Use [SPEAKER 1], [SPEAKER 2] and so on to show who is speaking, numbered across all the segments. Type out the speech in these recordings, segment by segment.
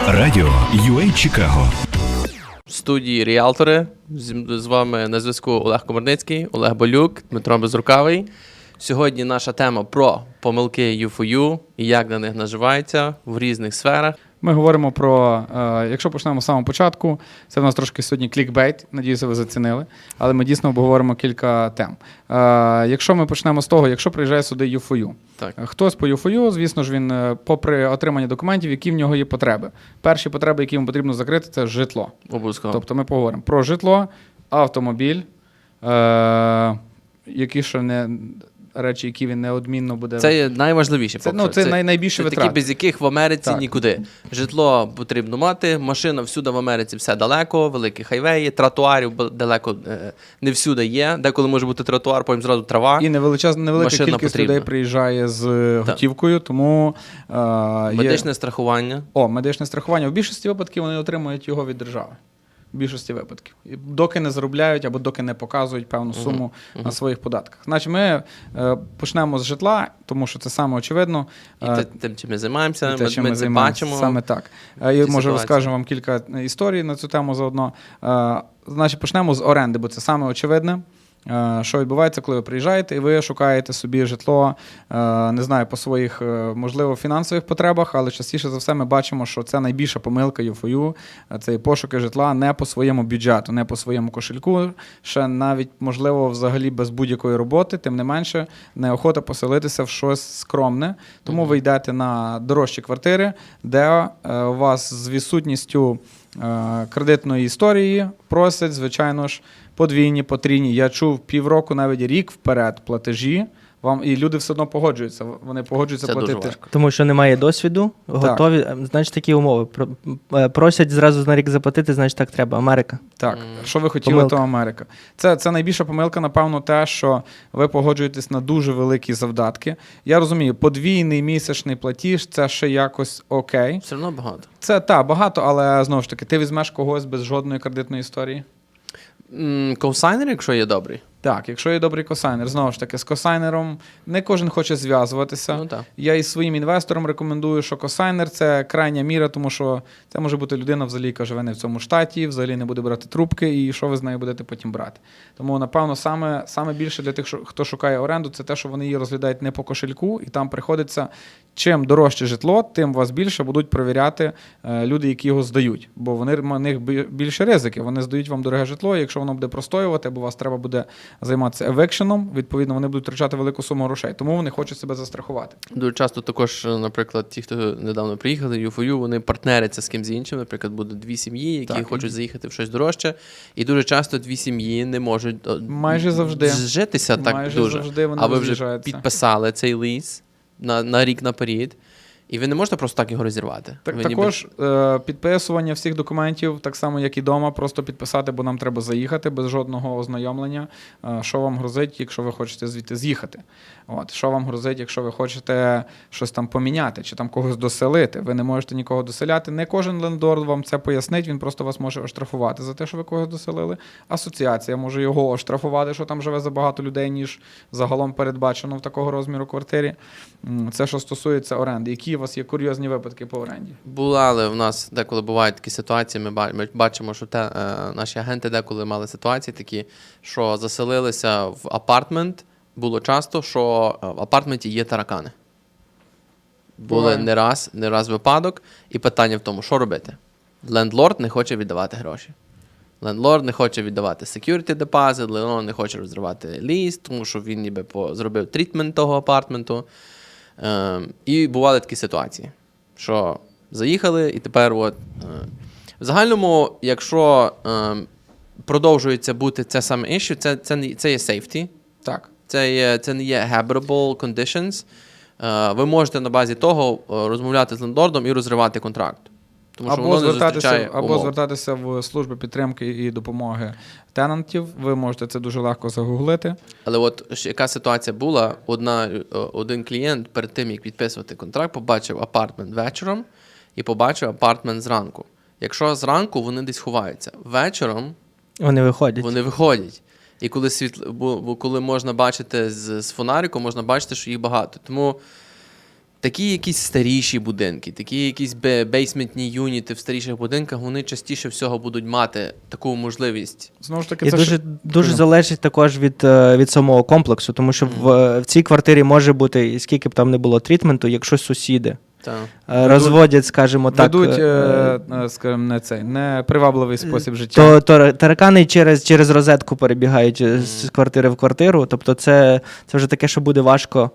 [SPEAKER 1] Радіо UA Чикаго.
[SPEAKER 2] В студії Ріалтори. З вами на зв'язку Олег Комарницький, Олег Болюк, Дмитро Безрукавий. Сьогодні наша тема про помилки U4U і як на них наживаються в різних сферах.
[SPEAKER 3] Ми говоримо про, якщо почнемо з самого початку, це в нас трошки сьогодні клікбейт, надіюся, ви зацінили, але ми дійсно обговоримо кілька тем. Якщо ми почнемо з того, якщо приїжджає сюди U4U,
[SPEAKER 2] Так.
[SPEAKER 3] хтось по U4U, звісно ж, він попри отримання документів, які в нього є потреби. Перші потреби, які йому потрібно закрити, це житло.
[SPEAKER 2] Обов'язково.
[SPEAKER 3] Тобто ми поговоримо про житло, автомобіль, які ще не... речі, які він неодмінно буде...
[SPEAKER 2] Це є найважливіше.
[SPEAKER 3] Це найбільше витрати.
[SPEAKER 2] Такі, без яких в Америці
[SPEAKER 3] Так.
[SPEAKER 2] нікуди. Житло потрібно мати, машина всюди в Америці все далеко, великі хайвеї, тротуарів далеко не всюди є. Деколи може бути тротуар, потім зразу трава.
[SPEAKER 3] І невелика
[SPEAKER 2] Машина
[SPEAKER 3] кількість
[SPEAKER 2] потрібна.
[SPEAKER 3] людей приїжджає з готівкою, тому
[SPEAKER 2] Медичне страхування.
[SPEAKER 3] медичне страхування. В більшості випадків вони отримують його від держави. В більшості випадків. І доки не заробляють або доки не показують певну суму на своїх податках. Значить, ми почнемо з житла, тому що це саме очевидно.
[SPEAKER 2] І тим, чим ми займаємося,
[SPEAKER 3] Чим
[SPEAKER 2] ми
[SPEAKER 3] ми
[SPEAKER 2] це
[SPEAKER 3] займаємося.
[SPEAKER 2] бачимо.
[SPEAKER 3] Саме так. І, може, розкажемо вам кілька історій на цю тему заодно. Значить, почнемо з оренди, бо це саме очевидне. Що відбувається, коли ви приїжджаєте і ви шукаєте собі житло, не знаю, по своїх, можливо, фінансових потребах, але частіше за все ми бачимо, що це найбільша помилка U4U, це пошуки житла не по своєму бюджету, не по своєму кошельку, ще навіть, можливо, взагалі без будь-якої роботи, тим не менше, неохота поселитися в щось скромне, тому ви йдете на дорожчі квартири, де у вас з відсутністю кредитної історії просять, звичайно ж, подвійні, потрійні. Я чув півроку, навіть рік вперед платежі. І люди все одно погоджуються. Вони погоджуються
[SPEAKER 2] Це
[SPEAKER 3] платити.
[SPEAKER 2] дуже важко.
[SPEAKER 4] Тому що немає досвіду, готові, значить такі умови. Просять зразу на рік заплатити, значить так треба. Америка.
[SPEAKER 3] Так, що ви хотіли,
[SPEAKER 4] Помилка.
[SPEAKER 3] то Америка. Це найбільша помилка, напевно, те, що ви погоджуєтесь на дуже великі завдатки. Я розумію, подвійний місячний платіж – це ще якось окей.
[SPEAKER 2] Все одно багато.
[SPEAKER 3] Це, багато, але, знову ж таки, ти візьмеш когось без жодної кредитної історії?
[SPEAKER 2] Коусайнер, якщо є добрий.
[SPEAKER 3] Так, якщо є добрий косайнер, знову ж таки, з косайнером не кожен хоче зв'язуватися.
[SPEAKER 2] Ну, так.
[SPEAKER 3] Я і своїм інвесторам рекомендую, що косайнер – це крайня міра, тому що це може бути людина, взагалі, яка живе не в цьому штаті, взагалі не буде брати трубки, і що ви з нею будете потім брати. Тому, напевно, саме більше для тих, хто шукає оренду, це те, що вони її розглядають не по кошельку, і там приходиться, чим дорожче житло, тим вас більше будуть перевіряти люди, які його здають. Бо в них більше ризики. Вони здають вам дороге житло, і якщо воно буде простоювати, або вас треба буде займатися евекшеном, відповідно, вони будуть втрачати велику суму грошей. Тому вони хочуть себе застрахувати.
[SPEAKER 2] Дуже часто також, наприклад, ті, хто недавно приїхали, U4U, вони партнеряться з кимсь іншим. Наприклад, будуть дві сім'ї, які хочуть заїхати в щось дорожче. І дуже часто дві сім'ї не можуть
[SPEAKER 3] Майже завжди
[SPEAKER 2] зжитися так
[SPEAKER 3] Майже
[SPEAKER 2] дуже.
[SPEAKER 3] завжди вони
[SPEAKER 2] А ви вже
[SPEAKER 3] роз'їжджаються.
[SPEAKER 2] підписали цей ліз на рік наперед. І ви не можете просто так його розірвати.
[SPEAKER 3] Також підписування всіх документів, так само, як і вдома, просто підписати, бо нам треба заїхати без жодного ознайомлення. Що вам грозить, якщо ви хочете звідти з'їхати? Що вам грозить, якщо ви хочете щось там поміняти, чи там когось доселити? Ви не можете нікого доселяти. Не кожен лендлорд вам це пояснить, він просто вас може оштрафувати за те, що ви когось доселили. Асоціація може його оштрафувати, що там живе забагато людей, ніж загалом передбачено в такого розміру квартирі. Це, що стосується оренди. Які у вас є курйозні випадки по оренді?
[SPEAKER 2] Але в нас деколи бувають такі ситуації, ми бачимо, що наші агенти деколи мали ситуації такі, що заселилися в апартмент. Було часто, що в апартменті є таракани. Були не раз випадок, і питання в тому, що робити. Лендлорд не хоче віддавати гроші. Лендлорд не хоче віддавати security deposit, лендлорд не хоче розривати ліс, тому що він ніби зробив трітмент того апартменту. І бували такі ситуації, що заїхали, і тепер в загальному, якщо продовжується бути це саме issue, це є safety.
[SPEAKER 3] Так.
[SPEAKER 2] Це не є habitable conditions. Ви можете на базі того розмовляти з лендлордом і розривати контракт. Тому що воно не зустрічає умов.
[SPEAKER 3] Звертатися в службу підтримки і допомоги тенантів. Ви можете це дуже легко загуглити.
[SPEAKER 2] Але от яка ситуація була, один клієнт перед тим, як підписувати контракт, побачив апартмент вечором і побачив апартмент зранку. Якщо зранку вони десь ховаються, вечором
[SPEAKER 4] Вони
[SPEAKER 2] виходять. І коли можна бачити з фонариком, можна бачити, що їх багато. Тому такі якісь старіші будинки, такі якісь бейсментні юніти в старіших будинках, вони частіше всього будуть мати таку можливість.
[SPEAKER 3] Знову ж таки,
[SPEAKER 4] І
[SPEAKER 3] це
[SPEAKER 4] дуже залежить також від самого комплексу, тому що в цій квартирі може бути, і скільки б там не було трітменту, якщо сусіди розводять, скажімо так.
[SPEAKER 3] ведуть, скажімо, не привабливий спосіб життя.
[SPEAKER 4] То таракани через розетку перебігають з квартири в квартиру, тобто це вже таке, що буде важко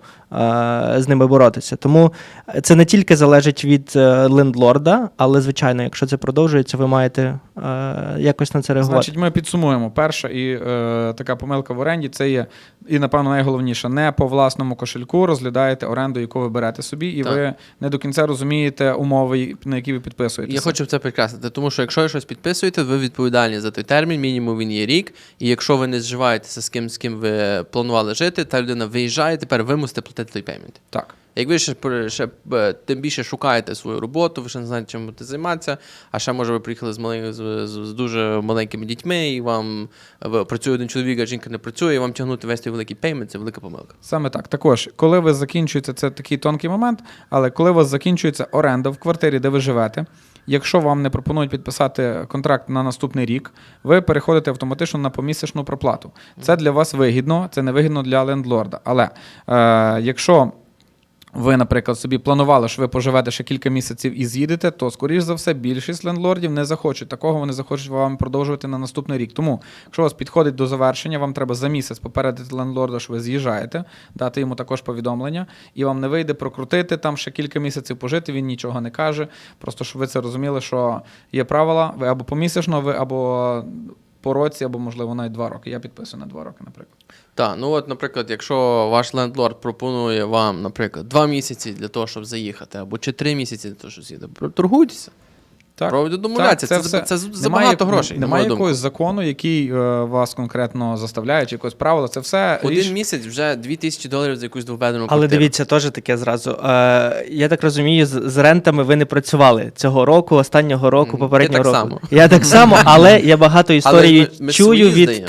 [SPEAKER 4] з ними боротися. Тому це не тільки залежить від лендлорда, але, звичайно, якщо це продовжується, ви маєте якось на це реагувати.
[SPEAKER 3] Значить, ми підсумуємо. Перша і така помилка в оренді – це є, і, напевно, найголовніше, не по власному кошельку розглядаєте оренду, яку ви берете собі, і ви не до кінця розумієте умови, на які ви підписуєтеся.
[SPEAKER 2] Я хочу це підкреслити, тому що якщо ви щось підписуєте, ви відповідальні за той термін, мінімум він є рік, і якщо ви не зживаєтеся з ким ви планували жити, та людина виїжджає, тепер ви мусите платити той пеймент.
[SPEAKER 3] Так.
[SPEAKER 2] Як ви ще тим більше шукаєте свою роботу, ви ще не знаєте, чим будете займатися, а ще, може, ви приїхали з дуже маленькими дітьми, і вам працює один чоловік, а жінка не працює, і вам тягнути весь той великий пеймент – це велика помилка.
[SPEAKER 3] Саме так. Також, коли ви закінчуєте, це такий тонкий момент, але коли у вас закінчується оренда в квартирі, де ви живете, якщо вам не пропонують підписати контракт на наступний рік, ви переходите автоматично на помісячну проплату. Це для вас вигідно, це не вигідно для лендлорда. Але якщо ви, наприклад, собі планували, що ви поживете ще кілька місяців і з'їдете, то, скоріш за все, більшість лендлордів не захочуть такого, вони захочуть вам продовжувати на наступний рік. Тому, якщо у вас підходить до завершення, вам треба за місяць попередити лендлорда, що ви з'їжджаєте, дати йому також повідомлення, і вам не вийде прокрутити, там ще кілька місяців пожити, він нічого не каже. Просто, щоб ви це розуміли, що є правила, ви або помісячно, ви або по році, або, можливо, навіть 2 роки. Я підписую на 2 роки, наприклад.
[SPEAKER 2] Так, ну от, наприклад, якщо ваш лендлорд пропонує вам, наприклад, 2 місяці для того, щоб заїхати, або чи 3 місяці для того, щоб з'їхати, торгуйтеся.
[SPEAKER 3] Так.
[SPEAKER 2] Пробуйте домовлятися. Це забагато грошей.
[SPEAKER 3] Немає якогось закону, який вас конкретно заставляє, чи якогось правила. Це все
[SPEAKER 2] один місяць вже $2000 за якусь двохбедерну
[SPEAKER 4] квартиру. Але дивіться, теж таке зразу. Я так розумію, з рентами ви не працювали цього року, останнього року, попереднього року.
[SPEAKER 2] Само.
[SPEAKER 4] Я так само, але я багато історій чую
[SPEAKER 2] від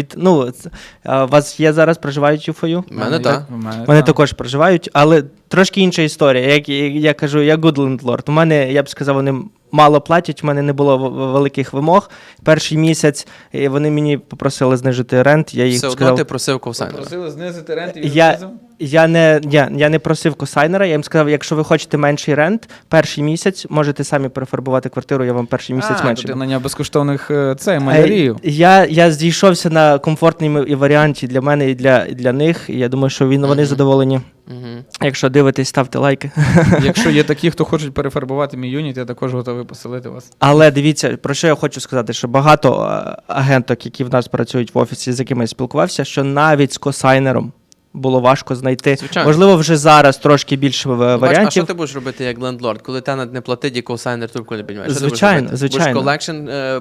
[SPEAKER 4] вас є зараз, проживають ЮФОЮ?
[SPEAKER 2] У мене так.
[SPEAKER 4] Мене також проживають, але трошки інша історія. Як я кажу, я good landlord. У мене, я б сказав, вони мало платять, в мене не було великих вимог. Перший місяць вони мені попросили знижити рент. Я їх
[SPEAKER 2] все
[SPEAKER 4] сказав,
[SPEAKER 2] одно ти просив ковсайнера.
[SPEAKER 3] Просили знизити рент і
[SPEAKER 4] я не просив косайнера, я їм сказав, якщо ви хочете менший рент, перший місяць можете самі перефарбувати квартиру, я вам перший місяць менше.
[SPEAKER 3] Ти наняв безкоштовних малярію.
[SPEAKER 4] Я зійшовся на комфортній варіанті для мене і для них, і я думаю, що вони задоволені. Якщо дивитесь, ставте лайки.
[SPEAKER 3] Якщо є такі, хто хочуть перефарбувати мій юніт, я також готовий поселити вас.
[SPEAKER 4] Але дивіться, про що я хочу сказати, що багато агенток, які в нас працюють в офісі, з якими я спілкувався, що навіть з косайнером було важко знайти.
[SPEAKER 2] Звичайно.
[SPEAKER 4] Можливо, вже зараз трошки більше варіантів.
[SPEAKER 2] А що ти будеш робити як лендлорд? Коли тенант не платить, і ковсайнер трубку не піднімає?
[SPEAKER 4] Звичайно.
[SPEAKER 2] Будеш колекшн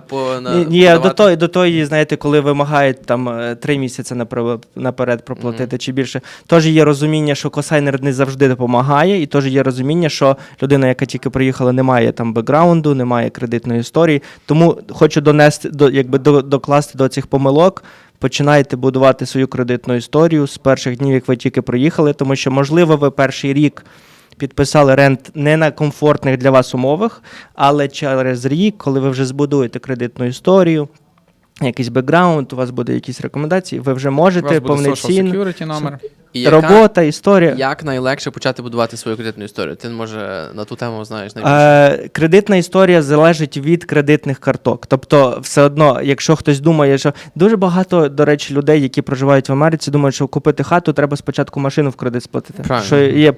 [SPEAKER 4] до тої, знаєте, коли вимагають там 3 місяці наперед проплатити чи більше. Тож є розуміння, що косайнер не завжди допомагає, і теж є розуміння, що людина, яка тільки приїхала, не має там бекграунду, не має кредитної історії. Тому хочу докласти до цих помилок. Починайте будувати свою кредитну історію з перших днів, як ви тільки приїхали, тому що, можливо, ви перший рік підписали рент не на комфортних для вас умовах, але через рік, коли ви вже збудуєте кредитну історію, якийсь бекграунд, у вас буде якісь рекомендації, ви вже можете повноцінно...
[SPEAKER 3] Social security номер.
[SPEAKER 4] Робота, історія.
[SPEAKER 2] Як найлегше почати будувати свою кредитну історію? Ти, може, на ту тему знаєш найбільше?
[SPEAKER 4] Кредитна історія залежить від кредитних карток. Тобто, все одно, якщо хтось думає, що... Дуже багато, до речі, людей, які проживають в Америці, думають, що купити хату, треба спочатку машину в кредит сплатити.
[SPEAKER 2] Правильно.
[SPEAKER 4] Що є...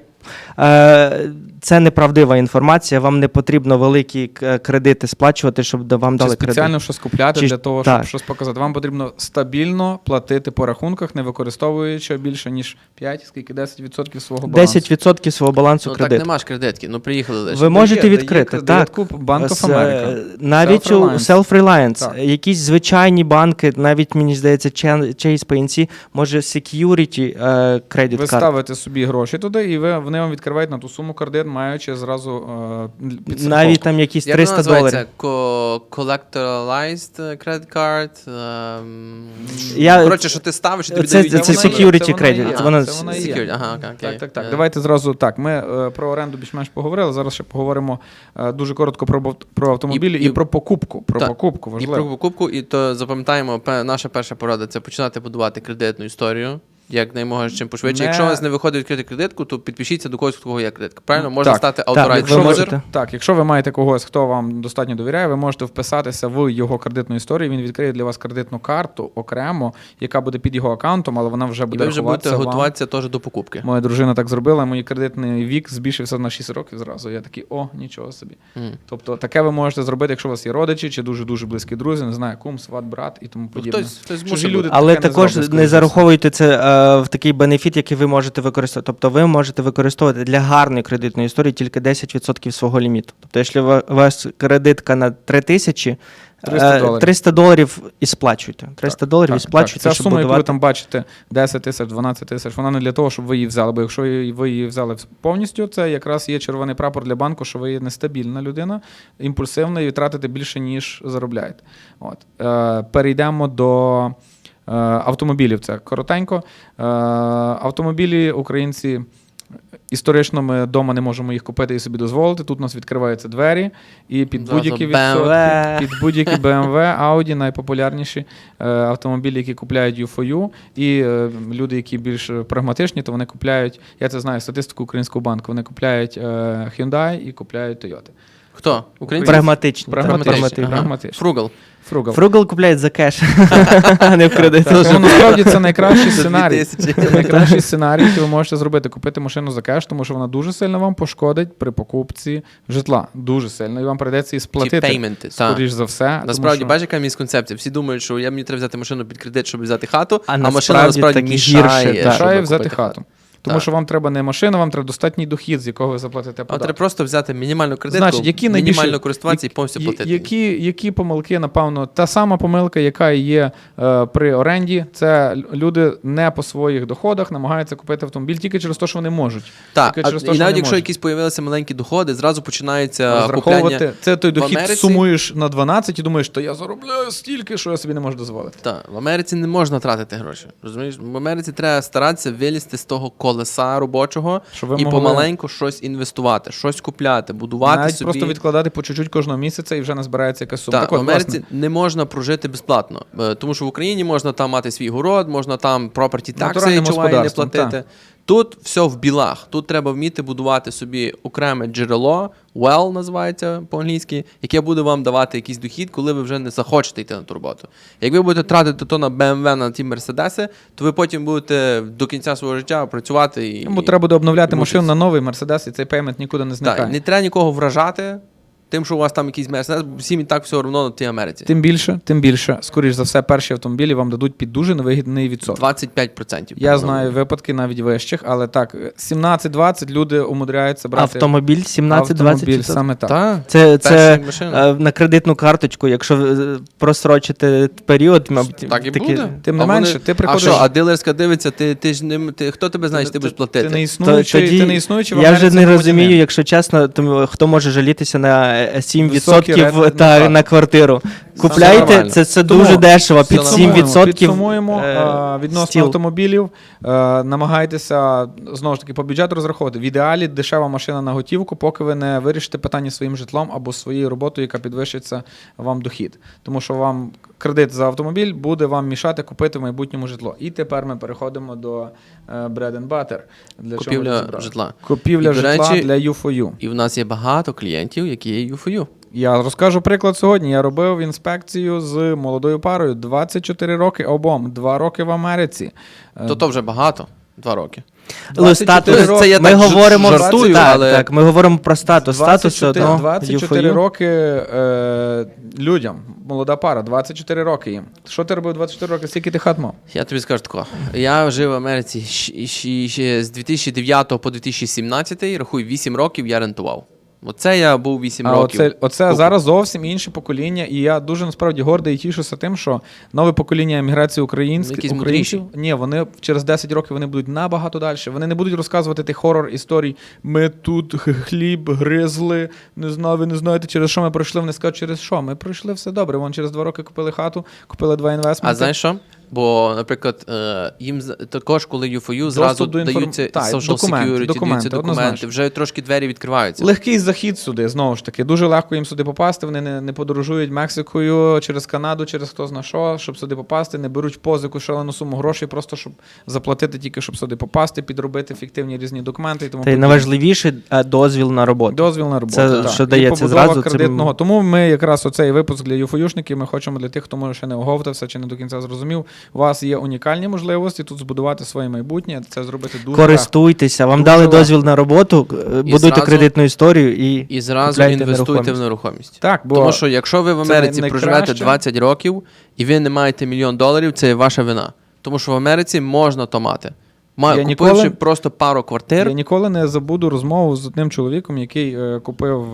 [SPEAKER 4] Це неправдива інформація, вам не потрібно великі кредити сплачувати, щоб вам дали кредит.
[SPEAKER 3] Спеціально щось купляти для того, щоб щось показати. Вам потрібно стабільно платити по рахунках, не використовуючи більше, ніж 10% свого балансу.
[SPEAKER 4] 10% свого балансу кредиту.
[SPEAKER 2] Так нема ж кредитки, приїхали лише.
[SPEAKER 4] Ви можете відкрити, так.
[SPEAKER 3] Bank of America.
[SPEAKER 4] Навіть у Self-Reliance. Якісь звичайні банки, навіть, мені здається, Chase PNC, може security кредит карт.
[SPEAKER 3] Ви ставите собі гроші туди, і вони вони вам відкривають на ту суму кредит, маючи зразу підстраховку.
[SPEAKER 4] Навіть там якісь
[SPEAKER 2] Як воно
[SPEAKER 4] $300.
[SPEAKER 2] називається? Collectoralized credit card? Коротше, що ти ставиш, і тобі
[SPEAKER 4] Це
[SPEAKER 2] дають.
[SPEAKER 4] security
[SPEAKER 3] Це вона і є.
[SPEAKER 4] credit. Вона-
[SPEAKER 3] Це вона і є.
[SPEAKER 2] Security, ага, окей.
[SPEAKER 3] Так. Давайте зразу так. Ми про оренду більш-менш поговорили. Зараз ще поговоримо дуже коротко про автомобілі і про покупку. Про
[SPEAKER 2] Так.
[SPEAKER 3] покупку
[SPEAKER 2] І
[SPEAKER 3] важливо.
[SPEAKER 2] про покупку, і то запам'ятаємо, наша перша порада – це починати будувати кредитну історію. Як наймога чим пошвидше. Якщо у вас не виходить відкрити кредитку, то підпишіться до когось, у кого є кредитка. Правильно? Може
[SPEAKER 3] Так.
[SPEAKER 2] стати
[SPEAKER 4] Так,
[SPEAKER 2] authorized
[SPEAKER 4] якщо
[SPEAKER 2] user.
[SPEAKER 4] можете.
[SPEAKER 3] Так, якщо ви маєте когось, хто вам достатньо довіряє, ви можете вписатися в його кредитну історію. Він відкриє для вас кредитну карту окремо, яка буде під його аккаунтом, але вона вже
[SPEAKER 2] І
[SPEAKER 3] буде
[SPEAKER 2] ви вже будете
[SPEAKER 3] рахуватися вам.
[SPEAKER 2] готуватися теж до покупки.
[SPEAKER 3] Моя дружина так зробила, мій кредитний вік збільшився на 6 років зразу. Я такий, нічого собі. Тобто таке ви можете зробити, якщо у вас є родичі чи дуже-дуже близькі друзі, не знаю, кум, сват, брат і тому подібне.
[SPEAKER 2] Хтось
[SPEAKER 3] Чужі
[SPEAKER 2] змусить
[SPEAKER 3] люди
[SPEAKER 2] бути.
[SPEAKER 4] Але
[SPEAKER 3] таке не
[SPEAKER 4] також
[SPEAKER 3] зроблять,
[SPEAKER 4] не
[SPEAKER 3] скоріше за
[SPEAKER 4] зараховуйте це в такий бенефіт, який ви можете використовувати. Тобто ви можете використовувати для гарної кредитної історії тільки 10% свого ліміту. Тобто, якщо у вас кредитка на 3000,
[SPEAKER 3] $300.
[SPEAKER 4] $300 і сплачуйте. $300 і сплачуйте,
[SPEAKER 3] Ця
[SPEAKER 4] щоб
[SPEAKER 3] сума, яку ви
[SPEAKER 4] будувати.
[SPEAKER 3] там бачите, 10 тисяч, 12 тисяч, вона не для того, щоб ви її взяли. Бо якщо ви її взяли повністю, це якраз є червоний прапор для банку, що ви є нестабільна людина, імпульсивна і тратите більше, ніж заробляєте. Перейдемо до автомобілів. Це коротенько. Автомобілі українці історично ми вдома не можемо їх купити і собі дозволити. Тут у нас відкриваються двері, і під
[SPEAKER 2] Зразу
[SPEAKER 3] будь-які
[SPEAKER 4] BMW.
[SPEAKER 3] під будь-які BMW, Audi, найпопулярніші автомобілі, які купляють U4U, і люди, які більш прагматичні, то вони купляють, я це знаю, статистику Українського банку, вони купляють Hyundai і купляють Toyota.
[SPEAKER 2] Хто? Українці?
[SPEAKER 4] Прагматичні.
[SPEAKER 3] Прагматичні.
[SPEAKER 2] Ага.
[SPEAKER 3] Прагматичні.
[SPEAKER 2] Frugal.
[SPEAKER 3] Frugal.
[SPEAKER 4] Фругал купляють за кеш, а не в кредит.
[SPEAKER 3] Ну, насправді це найкращий
[SPEAKER 2] За
[SPEAKER 3] сценарій.
[SPEAKER 2] 2000.
[SPEAKER 3] Це найкращий сценарій, який ви можете зробити. Купити машину за кеш, тому що вона дуже сильно вам пошкодить при покупці житла. Дуже сильно. І вам прийдеться її сплатити.
[SPEAKER 2] пейменти, так.
[SPEAKER 3] Скоріш за все.
[SPEAKER 2] Насправді,
[SPEAKER 3] тому що...
[SPEAKER 2] бачиш, яка місконцепція. Всі думають, що мені треба взяти машину під кредит, щоб взяти хату,
[SPEAKER 4] А
[SPEAKER 2] а машина
[SPEAKER 4] насправді
[SPEAKER 2] насправді
[SPEAKER 4] так і
[SPEAKER 2] мішає,
[SPEAKER 4] гірше, так.
[SPEAKER 2] щоб
[SPEAKER 3] мішає взяти
[SPEAKER 2] купити
[SPEAKER 3] хату. Тому
[SPEAKER 2] Так.
[SPEAKER 3] що вам треба не машина, вам треба достатній дохід, з якого ви заплатите
[SPEAKER 2] А
[SPEAKER 3] податки.
[SPEAKER 2] треба просто взяти мінімальну кредитку,
[SPEAKER 3] Значить, які найбільше-
[SPEAKER 2] мінімально користуватися і повністю платити.
[SPEAKER 3] Які помилки, напевно, та сама помилка, яка є при оренді, це люди не по своїх доходах намагаються купити автомобіль тільки через те, що вони можуть.
[SPEAKER 2] Так,
[SPEAKER 3] Тільки через те,
[SPEAKER 2] і
[SPEAKER 3] що
[SPEAKER 2] навіть
[SPEAKER 3] вони
[SPEAKER 2] якщо
[SPEAKER 3] можуть.
[SPEAKER 2] якісь появилися маленькі доходи, зразу починається купляння.
[SPEAKER 3] Розраховувати. Це той дохід
[SPEAKER 2] Америці-
[SPEAKER 3] сумуєш на 12 і думаєш, що я заробляю стільки, що я собі не можу дозволити.
[SPEAKER 2] Так, в Америці не можна тратити гроші. Розумієш? В Америці треба старатися вилізти з того колеса робочого
[SPEAKER 3] Щоб ви
[SPEAKER 2] і
[SPEAKER 3] могли-
[SPEAKER 2] помаленьку щось інвестувати, щось купляти, будувати
[SPEAKER 3] Навіть
[SPEAKER 2] собі.
[SPEAKER 3] просто відкладати по чуть-чуть кожного місяця і вже назбирається якась сума.
[SPEAKER 2] Так,
[SPEAKER 3] Так
[SPEAKER 2] в
[SPEAKER 3] от,
[SPEAKER 2] Америці
[SPEAKER 3] власне,
[SPEAKER 2] не можна прожити безплатно, тому що в Україні можна там мати свій город, можна там property taxes
[SPEAKER 3] Натуральним
[SPEAKER 2] не
[SPEAKER 3] господарством,
[SPEAKER 2] платити. Тут все в білах. Тут треба вміти будувати собі окреме джерело, well називається по-англійськи, яке буде вам давати якийсь дохід, коли ви вже не захочете йти на ту роботу. Як ви будете тратити то на BMW, на ті Мерседеси, то ви потім будете до кінця свого життя працювати і...
[SPEAKER 3] йому треба буде обновляти
[SPEAKER 2] і
[SPEAKER 3] машину
[SPEAKER 2] мучитися.
[SPEAKER 3] на новий Мерседес, і цей пеймент нікуди не зникає.
[SPEAKER 2] Так, не треба нікого вражати тим, що у вас там якийсь Мерседес, бо всім і так все одно на тій Америці.
[SPEAKER 3] Тим більше, скоріш за все, перші автомобілі вам дадуть під дуже невигідний відсоток.
[SPEAKER 2] 25%.
[SPEAKER 3] Я знаю випадки навіть вищих, але так, 17-20 люди умудряються брати
[SPEAKER 4] Автомобіль 17-20%.
[SPEAKER 3] автомобіль, саме так.
[SPEAKER 2] Так.
[SPEAKER 4] Це
[SPEAKER 2] Перші машини.
[SPEAKER 4] на кредитну карточку, якщо ви просрочите період, мабуть,
[SPEAKER 2] Так і
[SPEAKER 4] такі-
[SPEAKER 2] буде.
[SPEAKER 3] Тим не
[SPEAKER 2] А
[SPEAKER 3] менше,
[SPEAKER 2] вони-
[SPEAKER 3] ти приходиш-
[SPEAKER 2] А що, а дилерська дивиться, ти ж не хто тебе знає, що ти будеш платити?
[SPEAKER 3] Ти не існуючий,
[SPEAKER 4] Тоді
[SPEAKER 3] ти не існуючий в
[SPEAKER 4] я
[SPEAKER 3] Америці
[SPEAKER 4] вже не
[SPEAKER 3] громадянин.
[SPEAKER 4] розумію, якщо чесно, то хто може жалітися на 7%
[SPEAKER 3] рент,
[SPEAKER 4] на квартиру. Купляйте,
[SPEAKER 2] нормально.
[SPEAKER 4] це
[SPEAKER 3] Тому
[SPEAKER 4] дуже дешево, під
[SPEAKER 2] все
[SPEAKER 4] 7%.
[SPEAKER 3] Підсумуємо відносно
[SPEAKER 4] стіл.
[SPEAKER 3] автомобілів. Намагайтеся, знову ж таки, по бюджету розраховувати. В ідеалі дешева машина на готівку, поки ви не вирішите питання своїм житлом або своєю роботою, яка підвищиться вам дохід. Тому що вам кредит за автомобіль буде вам мішати купити в майбутньому житло. І тепер ми переходимо до bread and butter. Для чого ми
[SPEAKER 2] Купівля
[SPEAKER 3] розібрали.
[SPEAKER 2] житла.
[SPEAKER 3] Купівля
[SPEAKER 2] І, до
[SPEAKER 3] житла
[SPEAKER 2] речі,
[SPEAKER 3] для U4U.
[SPEAKER 2] І в нас є багато клієнтів, які є UFU.
[SPEAKER 3] Я розкажу приклад сьогодні. Я робив інспекцію з молодою парою. 24 роки обом, 2 роки в Америці.
[SPEAKER 2] То вже багато. 2 роки.
[SPEAKER 4] Статус.
[SPEAKER 2] Це я
[SPEAKER 4] Ми
[SPEAKER 2] так
[SPEAKER 4] говоримо
[SPEAKER 2] жартую,
[SPEAKER 4] так,
[SPEAKER 2] але-
[SPEAKER 4] так, ми говоримо про статус. Статус
[SPEAKER 3] 24 роки людям. Молода пара, 24 роки їм. Що ти робив 24 роки? Скільки ти хат мав?
[SPEAKER 2] Я тобі скажу тако. Я жив в Америці ще з 2009 по 2017, рахуй, 8 років я рентував. Оце я був 8
[SPEAKER 3] А
[SPEAKER 2] років.
[SPEAKER 3] оце
[SPEAKER 2] Купу.
[SPEAKER 3] зараз зовсім інше покоління, і я дуже насправді гордий і тішуся тим, що нове покоління еміграції
[SPEAKER 2] Якісь
[SPEAKER 3] українців, ні, вони через 10 років вони будуть набагато далі. Вони не будуть розказувати тих хорор історій. Ми тут хліб гризли, не знаю, ви не знаєте, через що ми пройшли. Вони скажуть, через що? Ми пройшли все добре. Вон через 2 роки купили хату, купили 2 інвестменти.
[SPEAKER 2] А знаєш що? Бо, наприклад, їм також, коли UFOU, зразу
[SPEAKER 3] до
[SPEAKER 2] даються
[SPEAKER 3] Так,
[SPEAKER 2] social
[SPEAKER 3] документи,
[SPEAKER 2] security, даються документи,
[SPEAKER 3] однозначно.
[SPEAKER 2] вже трошки двері відкриваються.
[SPEAKER 3] Легкий захід сюди, знову ж таки. Дуже легко їм сюди попасти. Вони не подорожують Мексикою через Канаду, через хто зна що, щоб сюди попасти. Не беруть позику шалену суму грошей, просто щоб заплатити тільки, щоб сюди попасти, підробити фіктивні різні документи. І тому
[SPEAKER 4] Та й найважливіше дозвіл на роботу.
[SPEAKER 3] дозвіл на роботу.
[SPEAKER 4] Це,
[SPEAKER 3] так.
[SPEAKER 4] що
[SPEAKER 3] І
[SPEAKER 4] дається
[SPEAKER 3] побудова
[SPEAKER 4] зразу, це
[SPEAKER 3] кредитного. Тому ми якраз оцей випуск для юфоюшників, ми хочемо для тих, хто може ще не оговтався чи не до кінця зрозумів. У вас є унікальні можливості тут збудувати своє майбутнє, це зробити дуже легко.
[SPEAKER 4] Користуйтеся, вам
[SPEAKER 3] Дуже
[SPEAKER 4] дали
[SPEAKER 3] легко.
[SPEAKER 4] дозвіл на роботу, будуйте
[SPEAKER 2] зразу-
[SPEAKER 4] кредитну історію
[SPEAKER 2] І зразу
[SPEAKER 4] купляйте
[SPEAKER 2] інвестуйте в нерухомість.
[SPEAKER 3] Так, бо
[SPEAKER 2] Тому що якщо ви в
[SPEAKER 3] це
[SPEAKER 2] Америці
[SPEAKER 3] найкраще.
[SPEAKER 2] проживете 20 років і ви не маєте $1 мільйон, це є ваша вина. Тому що в Америці можна то мати. Купивши просто пару квартир,
[SPEAKER 3] я ніколи не забуду розмову з одним чоловіком, який купив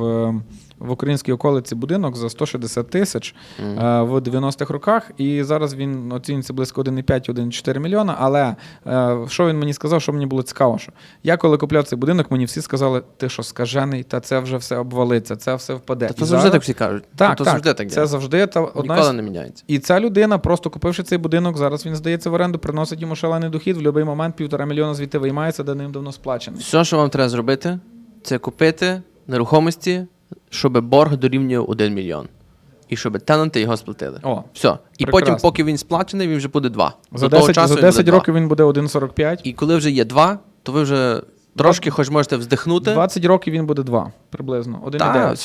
[SPEAKER 3] в українській околиці будинок за 160 тисяч в 90-х роках, і зараз він оцінюється близько 1,5-1,4 мільйона, але що він мені сказав, що мені було цікаво, що я коли купляв цей будинок, мені всі сказали, ти що, скажений, та це вже все обвалиться, це все впаде.
[SPEAKER 2] то
[SPEAKER 3] І
[SPEAKER 2] завжди
[SPEAKER 3] зараз-
[SPEAKER 2] так всі кажуть.
[SPEAKER 3] Так,
[SPEAKER 2] то
[SPEAKER 3] так,
[SPEAKER 2] завжди так
[SPEAKER 3] це
[SPEAKER 2] є.
[SPEAKER 3] завжди
[SPEAKER 2] Ніколи не міняється.
[SPEAKER 3] І ця людина, просто купивши цей будинок, зараз він здається в оренду, приносить йому шалений дохід, в будь-який момент 1,5 мільйона звідти виймається, давним-давно сплачений.
[SPEAKER 2] Все, що вам треба зробити, це купити нерухомості, щоб борг дорівнював 1 мільйон. І щоб тенанти його сплатили.
[SPEAKER 3] О,
[SPEAKER 2] Все. І
[SPEAKER 3] прекрасно.
[SPEAKER 2] потім, поки він сплачений, він вже буде 2.
[SPEAKER 3] За
[SPEAKER 2] До того
[SPEAKER 3] 10,
[SPEAKER 2] часу
[SPEAKER 3] за
[SPEAKER 2] він буде
[SPEAKER 3] 10
[SPEAKER 2] 2.
[SPEAKER 3] років він буде 1,45.
[SPEAKER 2] І коли вже є 2, то ви вже трошки хоч можете вздихнути.
[SPEAKER 3] 20 років він буде 2, приблизно. 1,9.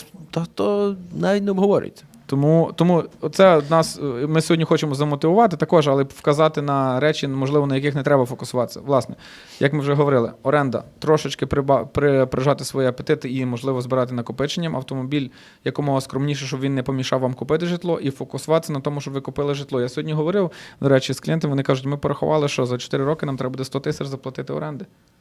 [SPEAKER 2] То навіть не обговорюється.
[SPEAKER 3] Тому оце нас, ми сьогодні хочемо замотивувати також, але вказати на речі, можливо, на яких не треба фокусуватися. Власне, як ми вже говорили, оренда, трошечки прижати свої апетити і, можливо, збирати накопиченням. Автомобіль якомога скромніше, щоб він не помішав вам купити житло, і фокусуватися на тому, щоб ви купили житло. Я сьогодні говорив, до речі, з клієнтами, вони кажуть, ми порахували, що за 4 роки нам треба буде 100 тисяч заплатити оренди.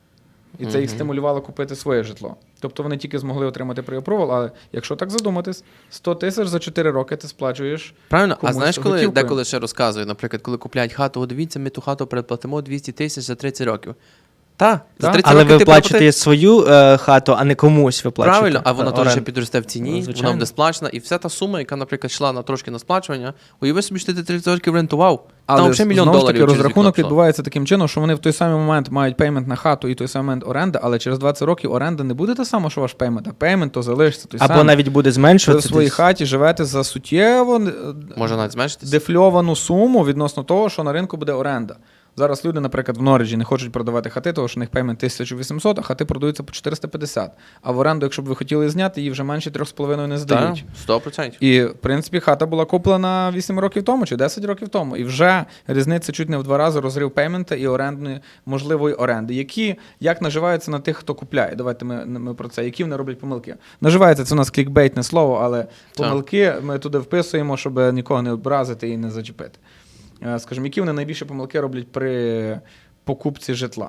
[SPEAKER 3] І це їх стимулювало купити своє житло. Тобто вони тільки змогли отримати pre-approval, але якщо так задуматись, 100 тисяч за 4 роки ти сплачуєш.
[SPEAKER 2] Правильно? А
[SPEAKER 3] комусь
[SPEAKER 2] знаєш, коли
[SPEAKER 3] готівкою.
[SPEAKER 2] деколи ще розказують, наприклад, коли купляють хату, о, дивіться, ми ту хату переплатимо 200 тисяч за 30 років. За 30
[SPEAKER 4] Але
[SPEAKER 2] років
[SPEAKER 4] ви
[SPEAKER 2] ти
[SPEAKER 4] плачете свою хату, а не комусь ви плачете.
[SPEAKER 2] Правильно, а вона теж
[SPEAKER 4] оренду.
[SPEAKER 2] ще підросте в ціні,
[SPEAKER 4] Звичайно.
[SPEAKER 2] вона буде сплачена. І вся та сума, яка, наприклад, йшла трошки на сплачування, уяви собі, що ти 30 років рентував.
[SPEAKER 3] Але
[SPEAKER 2] Там ще $1 мільйон
[SPEAKER 3] знову ж таки
[SPEAKER 2] через
[SPEAKER 3] розрахунок
[SPEAKER 2] вікно пішло.
[SPEAKER 3] відбувається таким чином, що вони в той самий момент мають пеймент на хату і той самий момент оренда, але через 20 років оренда не буде та сама, що ваш пеймент, а пеймент то залишиться той
[SPEAKER 4] Або
[SPEAKER 3] самий.
[SPEAKER 4] навіть буде
[SPEAKER 3] Ви в
[SPEAKER 4] зменшуватися.
[SPEAKER 3] своїй хаті живете за суттєво
[SPEAKER 2] Може навіть зменшитися.
[SPEAKER 3] дефльовану суму відносно того, що на ринку буде оренда. Зараз люди, наприклад, в Норриджі не хочуть продавати хати, тому що у них пеймент 1800, а хати продаються по 450. А в оренду, якщо б ви хотіли зняти, її вже менше 3,5 не здають.
[SPEAKER 2] Так, 100%.
[SPEAKER 3] І, в принципі, хата була куплена 8 років тому чи 10 років тому. І вже різниця чуть не в 2 рази розрив пеймента і орендної, можливої оренди. Які, як наживаються на тих, хто купляє. Давайте ми про це. Які вони роблять помилки. Наживається, це у нас клікбейтне слово, але помилки ми туди вписуємо, щоб нікого не образити і не зачепити. Скажімо, які вони найбільше помилки роблять при покупці житла?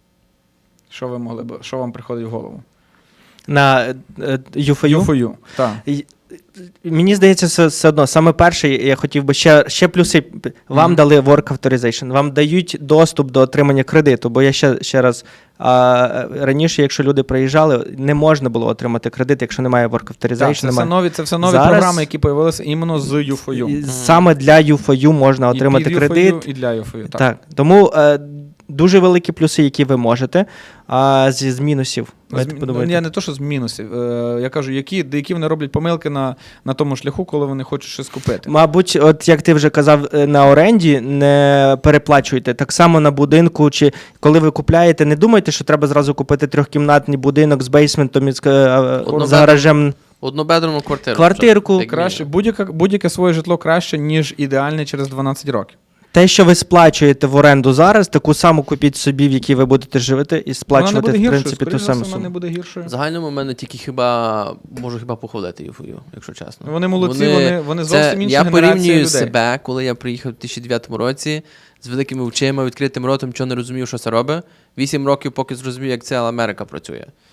[SPEAKER 3] Що вам приходить в голову?
[SPEAKER 4] На UFOU?
[SPEAKER 3] UFOU, так.
[SPEAKER 4] Мені здається, все одно, саме перше, я хотів би ще плюси. Вам дали work authorization, вам дають доступ до отримання кредиту, бо я ще раз, раніше, якщо люди приїжджали, не можна було отримати кредит, якщо немає work authorization.
[SPEAKER 3] Так, це все нові
[SPEAKER 4] Зараз
[SPEAKER 3] програми, які з'явилися іменно з UFOU.
[SPEAKER 4] Саме для UFOU можна отримати
[SPEAKER 3] і під
[SPEAKER 4] кредит.
[SPEAKER 3] UFOU, і для UFOU, так.
[SPEAKER 4] Так. Тому дуже великі плюси, які ви можете, з мінусів.
[SPEAKER 3] Я не то, що з мінусів. Я кажу, які вони роблять помилки на тому шляху, коли вони хочуть щось купити.
[SPEAKER 4] Мабуть, от як ти вже казав, на оренді не переплачуйте. Так само на будинку, чи коли ви купляєте, не думайте, що треба зразу купити 3-кімнатний будинок з бейсментом і з гаражем.
[SPEAKER 2] Однобедерну квартиру.
[SPEAKER 4] Квартирку.
[SPEAKER 2] Як
[SPEAKER 3] Краще, будь-яке своє житло краще, ніж ідеальне через 12 років.
[SPEAKER 4] Те, що ви сплачуєте в оренду зараз, таку саму купіть собі, в якій ви будете жити, і сплачувати, в принципі, ту саму
[SPEAKER 3] Вона не
[SPEAKER 4] суму.
[SPEAKER 3] буде гіршою.
[SPEAKER 2] В загальному в мене тільки можу похвалити UFOU, якщо чесно.
[SPEAKER 3] Вони молодці, вони зовсім інші
[SPEAKER 2] Я
[SPEAKER 3] генерації
[SPEAKER 2] порівнюю
[SPEAKER 3] людей.
[SPEAKER 2] себе, коли я приїхав у 2009 році з великими очима, відкритим ротом, чого не розумів, що це робить. 8 років, поки зрозумів, як ця Америка працює.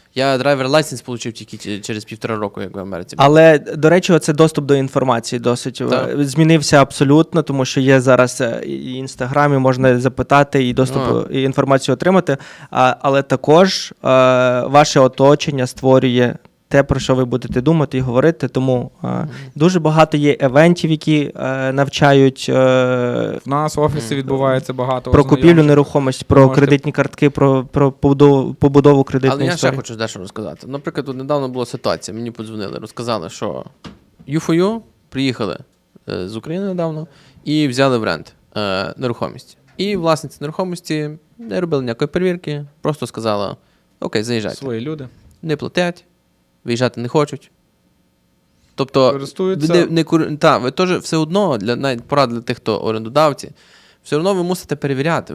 [SPEAKER 2] Я драйвер лайсенс отримав тільки через 1,5 року, як в Америці.
[SPEAKER 4] Але, до речі, оце доступ до інформації досить
[SPEAKER 2] Так.
[SPEAKER 4] змінився абсолютно, тому що є зараз і Інстаграмі, можна запитати, і доступ, і інформацію отримати. Але також ваше оточення створює те, про що ви будете думати і говорити. Тому дуже багато є евентів, які навчають
[SPEAKER 3] В нас в офісі відбувається багато
[SPEAKER 4] про купівлю
[SPEAKER 3] ознайомчих.
[SPEAKER 4] нерухомості, про
[SPEAKER 3] можете-
[SPEAKER 4] кредитні картки, про побудову
[SPEAKER 2] Але
[SPEAKER 4] кредитної
[SPEAKER 2] я ще
[SPEAKER 4] історії.
[SPEAKER 2] хочу дещо розказати. Наприклад, тут недавно була ситуація, мені подзвонили, розказали, що U4U приїхали з України недавно і взяли в рент нерухомість. І власниця нерухомості не робили ніякої перевірки, просто сказала: окей, заїжджайте.
[SPEAKER 3] Свої люди.
[SPEAKER 2] Не платять, виїжджати не хочуть. Тобто,
[SPEAKER 3] Користуються.
[SPEAKER 2] ви теж все одно, навіть порада для тих, хто орендодавці, все одно ви мусите перевіряти.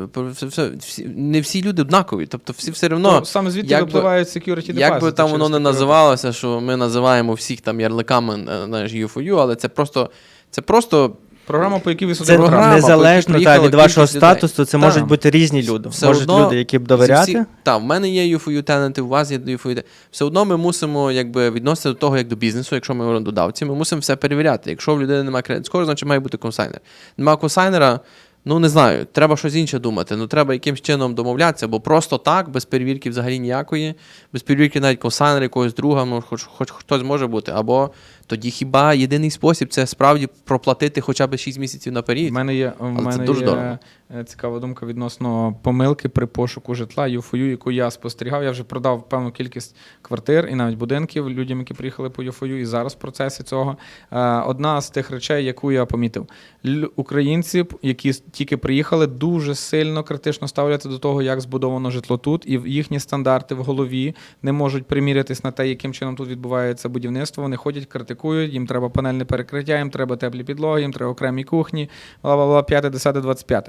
[SPEAKER 2] Не всі люди однакові. Тобто всі все одно,
[SPEAKER 3] Ну, саме звідти
[SPEAKER 2] як би-
[SPEAKER 3] випливають security deposit.
[SPEAKER 2] як би там
[SPEAKER 3] через
[SPEAKER 2] воно не
[SPEAKER 3] такі
[SPEAKER 2] називалося, що ми називаємо всіх там ярликами U4U, але це просто
[SPEAKER 3] Програма, по якій ви
[SPEAKER 4] Це
[SPEAKER 3] сюди
[SPEAKER 2] програма, по
[SPEAKER 4] незалежно
[SPEAKER 2] якій приїхала
[SPEAKER 4] від вашого
[SPEAKER 2] кількість людей.
[SPEAKER 4] статусу, це
[SPEAKER 2] Так.
[SPEAKER 4] можуть бути різні люди.
[SPEAKER 2] Все
[SPEAKER 4] Можуть
[SPEAKER 2] одно
[SPEAKER 4] люди, які б довіряти.
[SPEAKER 2] Так, в мене є U4U тенанти, у вас є U4U. Все одно ми мусимо відноситися до того, як до бізнесу, якщо ми орендодавці, ми мусимо все перевіряти. Якщо в людини немає кредит скору, значить має бути консайнер. Немає консайнера, ну не знаю, треба щось інше думати. Ну треба якимось чином домовлятися, бо просто так, без перевірки взагалі ніякої, без перевірки навіть консайнера, якогось друга, ну, хоч хтось може бути. Або тоді хіба єдиний спосіб це справді проплатити хоча б 6 місяців наперед.
[SPEAKER 3] В мене є,
[SPEAKER 2] дуже дорого.
[SPEAKER 3] цікава думка відносно помилки при пошуку житла U4U, яку я спостерігав. Я вже продав певну кількість квартир і навіть будинків людям, які приїхали по U4U, і зараз в процесі цього. Одна з тих речей, яку я помітив. Українці, які тільки приїхали, дуже сильно критично ставляться до того, як збудовано житло тут, і їхні стандарти в голові не можуть примірятись на те, яким чином тут відбувається будівництво. Вони ходять, критикують, їм треба панельне перекриття, їм треба теплі підлоги, їм треба окремі кухні, бла-бла-бла, 5, 10, 25.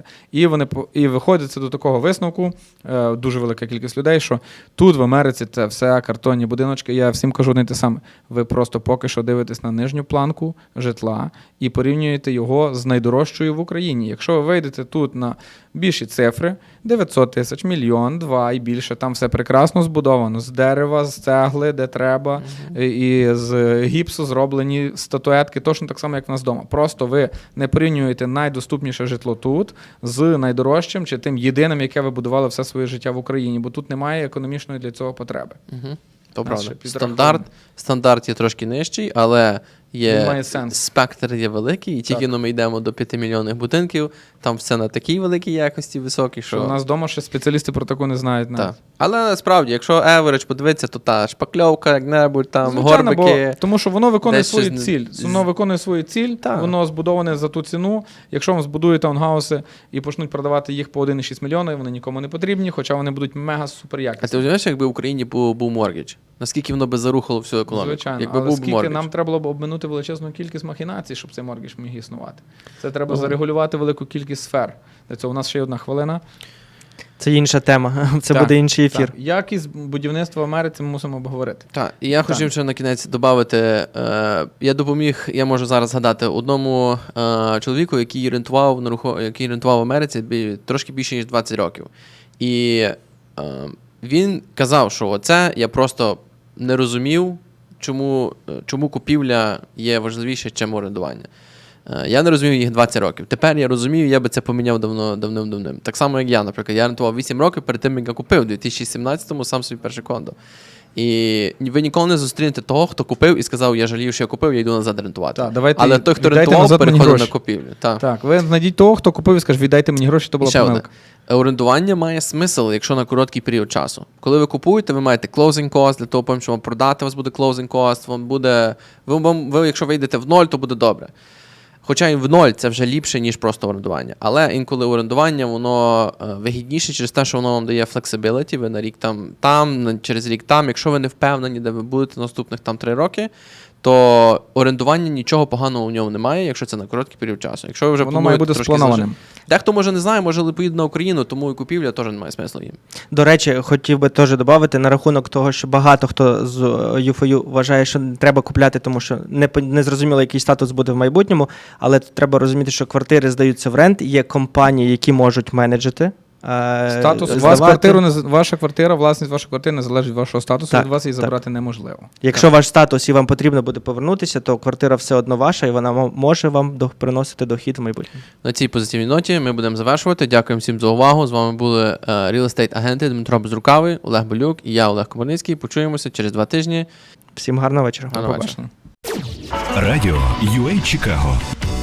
[SPEAKER 3] І виходиться до такого висновку, дуже велика кількість людей, що тут в Америці це все картонні будиночки. Я всім кажу не те саме. Ви просто поки що дивитесь на нижню планку житла і порівнюєте його з найдорожчою в Україні. Якщо ви вийдете тут на більші цифри, 900 тисяч, мільйон, 2 і більше, там все прекрасно збудовано, з дерева, з цегли, де треба, і з гіпсу зроблені статуетки, точно так само, як в нас вдома. Просто ви не порівнюєте найдоступніше житло тут з найдорожчим чи тим єдиним, яке ви будували все своє життя в Україні, бо тут немає економічної для цього потреби.
[SPEAKER 2] Угу. То
[SPEAKER 3] Нас
[SPEAKER 2] правда.
[SPEAKER 3] ще підраховано.
[SPEAKER 2] Стандарт є трошки нижчий, але
[SPEAKER 3] Має сенс.
[SPEAKER 2] спектр є великий, і тільки ми йдемо до 5-мільйонних будинків, там все на такій великій якості високій,
[SPEAKER 3] Що у нас вдома ще спеціалісти про таку не знають. навіть.
[SPEAKER 2] Так. Але насправді, якщо average подивитися, то та шпакльовка, як-небудь, там
[SPEAKER 3] Звичайно,
[SPEAKER 2] горбики.
[SPEAKER 3] тому що воно виконує
[SPEAKER 2] десь
[SPEAKER 3] свою
[SPEAKER 2] щось
[SPEAKER 3] ціль. Воно виконує свою ціль,
[SPEAKER 2] Так.
[SPEAKER 3] воно збудоване за ту ціну. Якщо вам збудують таунхауси і почнуть продавати їх по 1,6 мільйона, вони нікому не потрібні, хоча вони будуть мега супер
[SPEAKER 2] А
[SPEAKER 3] якісні.
[SPEAKER 2] ти розумієш, якби в Україні був моргідж? Наскільки воно би зарухало всю економіку?
[SPEAKER 3] Звичайно,
[SPEAKER 2] Якби
[SPEAKER 3] але
[SPEAKER 2] був
[SPEAKER 3] скільки
[SPEAKER 2] моргідж.
[SPEAKER 3] нам треба було б обминути величезну кількість махінацій, щоб цей моргідж міг існувати. Це треба зарегулювати велику кількість сфер. Для цього у нас ще є 1 хвилина.
[SPEAKER 4] Це інша тема, це
[SPEAKER 3] Так,
[SPEAKER 4] буде інший ефір.
[SPEAKER 3] Так. Якість будівництва в Америці ми мусимо обговорити.
[SPEAKER 2] Так, і я хотів ще на кінець додати, я можу зараз згадати одному чоловіку, який рентував в Америці трошки більше, ніж 20 років. І він казав, що оце я просто не розумів, чому купівля є важливіше, ніж орендування. Я не розумів їх 20 років. Тепер я розумію, я би це поміняв давним-давним. Так само, як я, наприклад. Я рентував 8 років перед тим, як я купив, у 2017-му сам собі перше кондо. І ви ніколи не зустрінете того, хто купив і сказав, я жалію, що я купив, я йду назад рентувати.
[SPEAKER 3] Так, давайте
[SPEAKER 2] Але той, хто
[SPEAKER 3] віддайте
[SPEAKER 2] рентував,
[SPEAKER 3] назад мені
[SPEAKER 2] переходив на
[SPEAKER 3] гроші.
[SPEAKER 2] купівлю. Так.
[SPEAKER 3] Так, ви знайдіть того, хто купив і скаже, віддайте мені гроші, то
[SPEAKER 2] І
[SPEAKER 3] була
[SPEAKER 2] ще одне.
[SPEAKER 3] помилка.
[SPEAKER 2] Орендування має смисл, якщо на короткий період часу. Коли ви купуєте, ви маєте closing cost, для того, що вам продати, у вас буде closing cost, вам буде, ви, якщо вийдете в ноль, то буде добре. Хоча і в ноль це вже ліпше, ніж просто орендування. Але інколи орендування, воно вигідніше через те, що воно вам дає flexibility, ви на рік там, через рік там. Якщо ви не впевнені, де ви будете наступних 3 роки, то орендування нічого поганого у ньому немає, якщо це на короткий період часу. Якщо ви вже
[SPEAKER 3] Воно має бути
[SPEAKER 2] трошки
[SPEAKER 3] спланованим.
[SPEAKER 2] Дехто може не знає, може поїде на Україну, тому і купівля теж немає смислу їм.
[SPEAKER 4] До речі, хотів би теж додати на рахунок того, що багато хто з U4U вважає, що не треба купляти, тому що не зрозуміло, який статус буде в майбутньому, але треба розуміти, що квартири здаються в рент, є компанії, які можуть менеджити
[SPEAKER 3] Статус, у вас
[SPEAKER 4] здавати.
[SPEAKER 3] ваша квартира, власність вашої квартири не залежить від вашого статусу,
[SPEAKER 4] Так,
[SPEAKER 3] від вас її
[SPEAKER 4] так.
[SPEAKER 3] забрати неможливо.
[SPEAKER 4] Якщо ваш статус і вам потрібно буде повернутися, то квартира все одно ваша, і вона може вам приносити дохід в майбутньому.
[SPEAKER 2] На цій позитивній ноті ми будемо завершувати. Дякуємо всім за увагу. З вами були Real Estate агенти Дмитро Безрукавий, Олег Болюк і я, Олег Комарницький. Почуємося через 2 тижні.
[SPEAKER 4] Всім гарного вечора.
[SPEAKER 2] Гарного
[SPEAKER 3] Побачення.
[SPEAKER 1] Радіо UA Чикаго